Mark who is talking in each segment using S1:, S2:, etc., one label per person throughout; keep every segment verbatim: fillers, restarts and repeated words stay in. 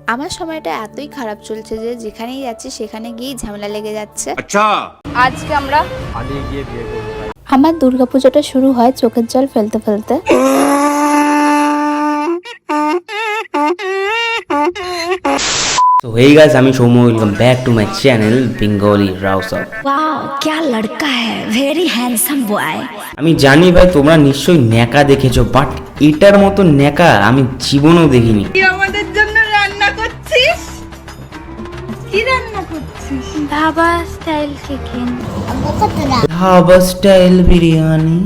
S1: আমার সময়টা এতই খারাপ চলছে যে যেখানেই যাচ্ছি সেখানে গিয়েই ঝামেলা লেগে যাচ্ছে।
S2: আচ্ছা
S1: আজকে আমরা
S3: পালিয়ে গিয়ে বিয়ে করবো ভাই।
S1: আমার দুর্গাপুজোটা শুরু হয় চোখের জল ফেলতে ফেলতে।
S4: So hey guys, আমি Soumya, welcome back to my channel Bengali Rouser.
S5: Wow क्या लड़का है, वेरी हैंडसम बॉय।
S4: আমি জানি ভাই তোমরা নিশ্চয়ই ন্যাকা দেখেছো, বাট এটার মতো ন্যাকা আমি জীবনেও দেখিনি।
S6: কি আমাদের জন্য রান্না করছিস? কি রান্না করছিস?
S1: Dhaba style chicken.
S4: Dhaba style biryani.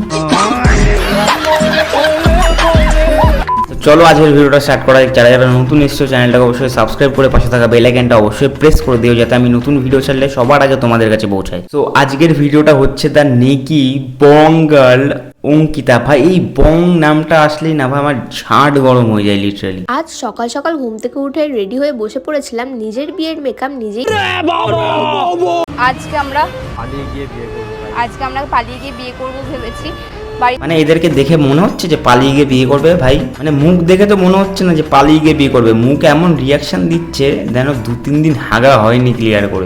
S4: চলো আজকের ভিডিওটা স্টার্ট করা যাক। যারা যারা নতুন এসছো চ্যানেলটাকে অবশ্যই সাবস্ক্রাইব করে পাশে থাকা বেল আইকনটা অবশ্যই প্রেস করে দিও, যাতে আমি নতুন ভিডিও ছাড়লে সবার আগে তোমাদের কাছে পৌঁছায়। তো আজকের ভিডিওটা হচ্ছে দ্য নেকি বং গার্ল অঙ্কিতা। ভাই এই বং নামটা আসলেই না ভাই আমার ঝাঁট গরম হয়ে যায় লিটারালি।
S1: আজ সকাল সকাল ঘুম থেকে উঠে রেডি হয়ে বসে পড়েছিলাম নিজের বিয়ের মেকআপ নিজেই। আজকে আমরা
S3: পালিয়ে গিয়ে বিয়ে করবো ভাই।
S1: আজকে আমরা পালিয়ে গিয়ে বিয়ে করবো ভেবেছি।
S4: মানে এদেরকে দেখে মনে হচ্ছে যে পালিয়ে গিয়ে বিয়ে করবে ভাই, মানে মুখ দেখে তো মনে হচ্ছে না যে পালিয়ে গিয়ে বিয়ে করবে। মুখ এমন রিয়াকশন দিচ্ছে যেন দু তিন দিন হাগা হয়নি ক্লিয়ার করে।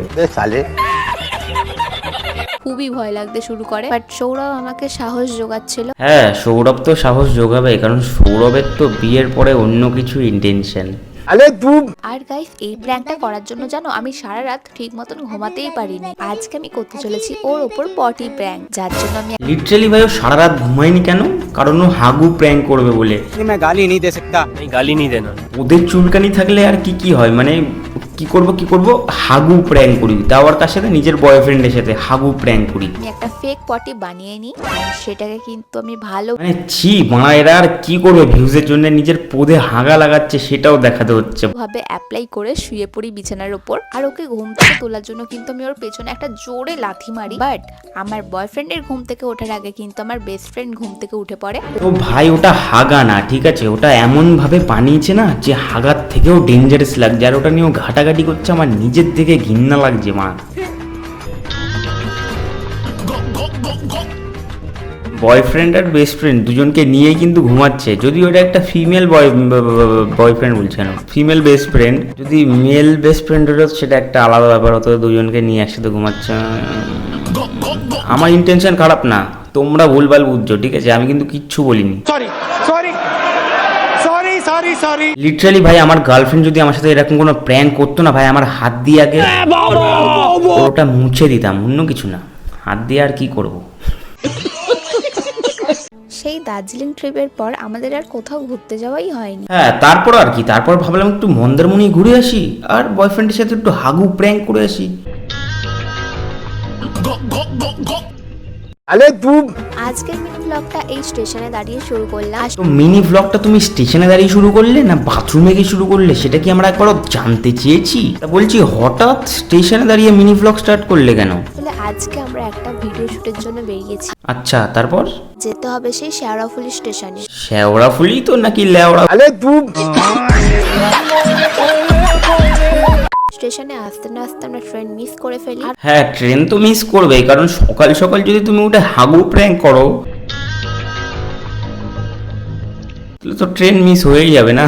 S1: খুবই ভয় লাগতে শুরু করে, বাট সৌরভ আমাকে সাহস জোগাচ্ছিল।
S4: হ্যাঁ সৌরভ তো সাহস যোগাবে, কারণ সৌরভের তো বিয়ের পরে অন্য কিছু ইন্টেনশন।
S1: আর গাইস এই প্ল্যানটা করার জন্য জানো আমি সারা রাত ঠিক মতন ঘুমাতেই পারিনি। আজকে আমি করতে চলেছি ওর ওপর পটি প্র্যাঙ্ক, যার জন্য আমি
S4: লিটারালি ভাই ও সারা রাত ঘুমায়নি কেন? কারণ ও হাগু প্র্যাঙ্ক করবে বলে।
S3: मैं गाली नहीं दे सकता। नहीं गाली नहीं देना।
S4: ওদের চুলকানি থাকলে আর কি কি হয়, মানে কি করব কি করব হাগু প্র্যাঙ্ক করি, তাও আর কার সাথে? নিজের বয়ফ্রেন্ডের সাথে হাগু প্র্যাঙ্ক করি।
S1: আমি একটা ফেক পটি বানিয়ে নিই, সেটাকে কিন্তু আমি ভালো
S4: মানে ছি মানা, এরা আর কি করবে ভিউজের জন্য নিজের পদে হাগা লাগাচ্ছে সেটাও দেখাতে হচ্ছে।
S1: ভাবে অ্যাপ্লাই করে শুয়ে পড়ি বিছানার উপর, আর ওকে ঘুম থেকে তোলার জন্য কিন্তু আমি ওর পেছনে একটা জোরে লাথি মারি। বাট আমার বয়ফ্রেন্ডের ঘুম থেকে ওঠার আগে কিন্তু আমার বেস্ট ফ্রেন্ড ঘুম থেকে উঠে পড়ে।
S4: তো ভাই ওটা হাগা না, ঠিক আছে? ওটা এমন ভাবে বানিয়েছে না যে হাগার থেকেও ডেঞ্জারাস লাগছে, আর ওটা নিয়েও ঘাটাঘাটি করছে, আমার নিজের থেকে ঘৃণা লাগছে মা। বয়ফ্রেন্ড আর বেস্ট ফ্রেন্ড দুজনকে নিয়েই কিন্তু ঘুমাচ্ছে, যদি ওটা একটা ফিমেল বয় বয়ফ্রেন্ড বলছে না, ফিমেল বেস্ট ফ্রেন্ড। যদি মেল বেস্ট ফ্রেন্ড হতো সেটা একটা আলাদা ব্যাপার হতো, দুজনকে নিয়ে একসাথে ঘুমাচ্ছে। আমার ইন্টেনশন খারাপ না, তোমরা ভুলভাল বুঝছো, ঠিক আছে? আমি কিন্তু কিচ্ছু বলিনি।
S3: Sorry sorry sorry sorry sorry.
S4: Literally ভাই আমার গার্লফ্রেন্ড যদি আমার সাথে এরকম কোনো প্র্যাঙ্ক করতো না ভাই, আমার হাত দিয়ে আগে ওটা মুছে দিতাম, অন্য কিছু না। হাত দিয়ে আর কি করব।
S1: সেই দার্জিলিং ট্রিপের পর আমাদের আর কোথাও ঘুরতে যাওয়াই হয়নি।
S4: হ্যাঁ তারপর আর কি, তারপর ভাবলাম একটু মন্দারমণি ঘুরে আসি আর বয়ফ্রেন্ডের সাথে একটু হাগু প্র্যাঙ্ক করে আসি।
S1: আজকের মিনি ব্লগটা এই স্টেশনে দাঁড়িয়ে শুরু করলাম।
S4: তো মিনি ব্লগটা তুমি স্টেশনে দাঁড়িয়ে শুরু করলে না বাথরুমে গিয়ে শুরু করলে, সেটা কি আমরা একবারও জানতে চেয়েছি? তা বলছি হঠাৎ স্টেশনে দাঁড়িয়ে মিনি ব্লগ স্টার্ট করলে কেন?
S1: আসলে আজকে আমরা একটা ভিডিও শুটের জন্য বেরিয়েছি,
S4: আচ্ছা তারপর
S1: যেতে হবে সেই শেওড়াফুলি স্টেশনে।
S4: শেওড়াফুলি তো নাকি লেওড়া?
S1: স্টেশনে আসতে না আসতে আমরা ট্রেন মিস করে ফেলি। আর
S4: হ্যাঁ ট্রেন তো মিস করবেই, কারণ সকাল সকাল যদি তুমি ওটা হাগু প্র্যাঙ্ক করো তাহলে তো ট্রেন মিস হয়েই যাবে না।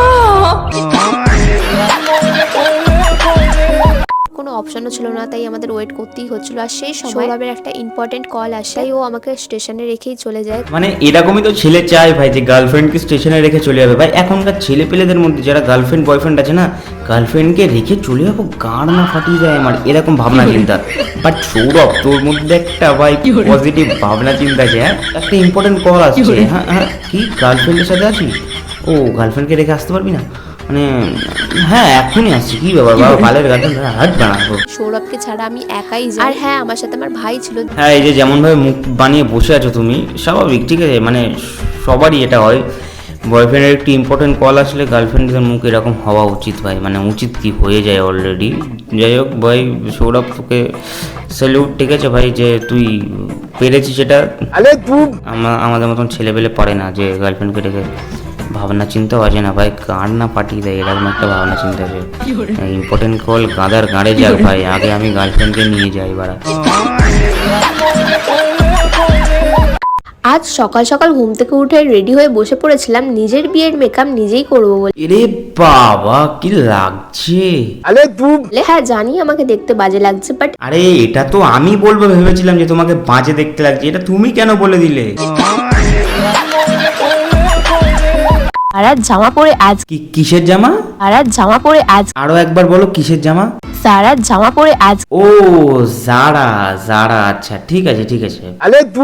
S1: কোনো অপশনও ছিল না, তাই আমাদের ওয়েট করতেই হচ্ছিল। আর সেই সময় সৌরভের একটা ইম্পর্টেন্ট কল আসে, তাই ও আমাকে স্টেশনে রেখেই চলে যায়।
S4: মানে এরকমই তো ছেলে চায় ভাই, যে গার্লফ্রেন্ডকে স্টেশনে রেখে চলে যাবে। ভাই এখনকার ছেলে পেলেদের মধ্যে যারা গার্লফ্রেন্ড বয়ফ্রেন্ড আছে না, গার্লফ্রেন্ডকে রেখে চলে যাবো, গাড় না ফাটিয়ে যায় আমার এরকম ভাবনা চিন্তা। বাট সৌরভ তোর মধ্যে একটা ভাই পজিটিভ ভাবনা চিন্তা আছে। হ্যাঁ একটা ইম্পর্টেন্ট কল আসছে। হ্যাঁ হ্যাঁ কি গার্লফ্রেন্ডের সাথে আছিস? ও গার্লফ্রেন্ডকে রেখে আসতে পারবি না? মানে হ্যাঁ এখনই আসছি, কি ব্যাপার বাবা, বালের গার্লফ্রেন্ড হাট বানাবো।
S1: সৌরভকে ছাড়া আমি একাই যাই। আর হ্যাঁ আমার সাথে আমার ভাই ছিল।
S4: হ্যাঁ এই যে যেমন ভাবে মুখ বানিয়ে বসে আছো তুমি, স্বাভাবিক, ঠিক আছে? মানে সবারই এটা হয়, বয়ফ্রেন্ডের একটু ইম্পর্টেন্ট কল আসলে গার্লফ্রেন্ডের মুখ এরকম হওয়া উচিত ভাই, মানে উচিত কি হয়ে যায় অলরেডি। যাই হোক ভাই সৌরভ তোকে স্যালুট, ঠিক আছে ভাই, যে তুই পেরেছিস সেটা। আমাদের মতন ছেলেপেলে পারে না যে গার্লফ্রেন্ডকে রেখে। ভাবনা চিন্তাও আছে না ভাই, গাঁড় না পাঠিয়ে দেয় এরকম একটা ভাবনা চিন্তা আছে। ইম্পর্টেন্ট কল গাঁদার গাঁড়ে যাক ভাই, আগে আমি গার্লফ্রেন্ডকে নিয়ে যাই বাড়া।
S2: আজ সকাল সকাল ঘুম থেকে উঠে রেডি হয়ে বসে পড়েছিলাম নিজের বিয়ের মেকআপ নিজেই করবো বলে।
S4: এরে বাবা কি লাগছে!
S3: अरे तू
S2: হ্যাঁ জানি আমাকে দেখতে বাজে লাগছে, বাট
S4: আরে এটা তো আমি বলবো ভেবেছিলাম যে তোমাকে বাজে দেখতে লাগছে, এটা তুমি কেন বলে দিলে?
S2: সারা জামা পরে আজ
S4: কি কিসের জামা?
S2: সারা জামা পরে আজ
S4: আরো একবার বলো কিসের জামা?
S2: সারা জামা পরে আজ
S4: ও জারা জারা, আচ্ছা ঠিক আছে ঠিক আছে।
S3: अरे तू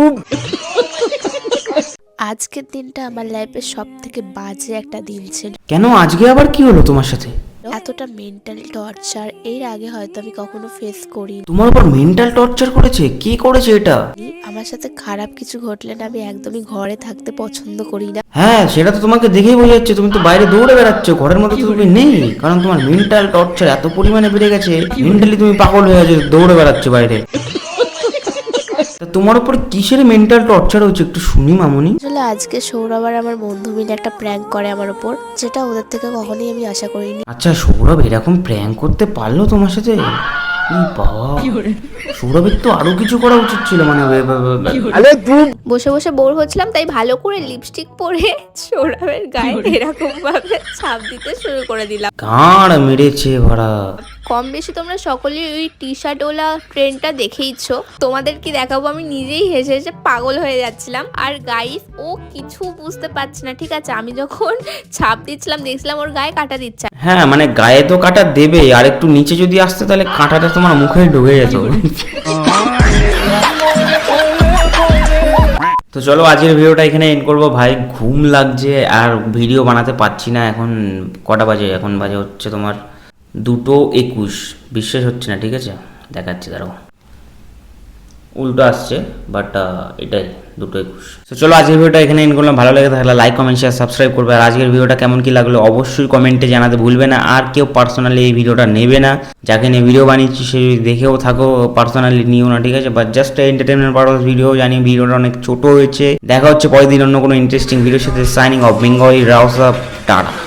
S2: আজকের দিনটা আমার লাইফের সব থেকে বাজে একটা দিন ছিল।
S4: কেন আজকে আবার কি হলো তোমার সাথে?
S2: এতটা মেন্টাল টর্চার এর আগে হয়তো আমি কখনো ফেস করিনি।
S4: তোমার উপর মেন্টাল টর্চার করেছে? কি করেছে এটা?
S2: আমার সাথে খারাপ কিছু ঘটলে না আমি একদমই ঘরে থাকতে পছন্দ করি না।
S4: হ্যাঁ সেটা তো তোমাকে দেখেই বোঝা যাচ্ছে, তুমি তো বাইরে দৌড়ে বেড়াচ্ছ, ঘরের মধ্যে তো তুমি নেই, কারণ তোমার মেন্টাল টর্চার এত পরিমাণে বেড়ে গেছে, মেন্টালি তুমি পাগল হয়ে গেছো, দৌড়ে বেড়াচ্ছ বাইরে। তা তোমার উপর কিসের মেন্টাল টর্চার হচ্ছে একটু শুনি মামুনি।
S2: আসলে আজকে সৌরভ আর আমার বন্ধু মিলে একটা প্র্যাঙ্ক করে আমার উপর, যেটা ওদের থেকে কখনোই আমি আশা করিনি।
S4: আচ্ছা সৌরভ এরকম প্র্যাঙ্ক করতে পারলো তোমার সাথে? ই বাবা, সৌরভের তো আরো কিছু করা উচিত ছিল, মানে
S3: अरे तू
S1: বসে বসে বোর হচ্ছিলাম, তাই ভালো করে লিপস্টিক পরে সৌরভের গায়ে এরকম ভাবে ছাপ দিতে শুরু করে দিলাম।
S4: গাঁড় মেরেছে ভরা।
S1: কম বেশি তোমরা সকলেই ওই টি শার্ট ওলা ট্রেন্ডটা দেখেইছো, তোমাদের কি দেখাবো, আমি নিজেই হেসে হেসে পাগল হয়ে যাচ্ছিলাম। আর গাইস ও কিছু বুঝতে পারছে না, ঠিক আছে, আমি যখন ছাপ দিচ্ছিলাম দেখছিলাম ওর গায়ে কাটা দিচ্ছে।
S4: হ্যাঁ মানে গায়ে তো কাঁটা দেবে, আর একটু নিচে যদি আসতে তাহলে কাঁটাটা তোমার মুখে ঢুকে যেত। তো চলো আজকের ভিডিওটা এখানে এন্ড করবো ভাই, ঘুম লাগছে আর ভিডিও বানাতে পারছি না। এখন কটা বাজে? এখন বাজে হচ্ছে তোমার দুটো একুশ। বিশ্বাস হচ্ছে না, ঠিক আছে দেখাচ্ছি, দাঁড়াও, উল্টো আসছে বাট এটাই দুটো একুশ। তো চলো আজকের ভিডিওটা এখানে এন্ড করলাম। ভালো লেগে থাকলে লাইক কমেন্ট শেয়ার সাবস্ক্রাইব করবে, আর আজকের ভিডিওটা কেমন কি লাগলো অবশ্যই কমেন্টে জানাতে ভুলবে না। আর কেউ পার্সোনালি এই ভিডিওটা নেবে না, যাকে নিয়ে ভিডিও বানিয়েছি সে যদি দেখেও থাকো পার্সোনালি নিও না, ঠিক আছে, but just entertainment purpose video. জানি ভিডিওটা অনেক ছোট হয়েছে। দেখা হচ্ছে পরের দিন অন্য কোনো ইন্টারেস্টিং ভিডিওর সাথে। Signing off Bengali Rouse, tata.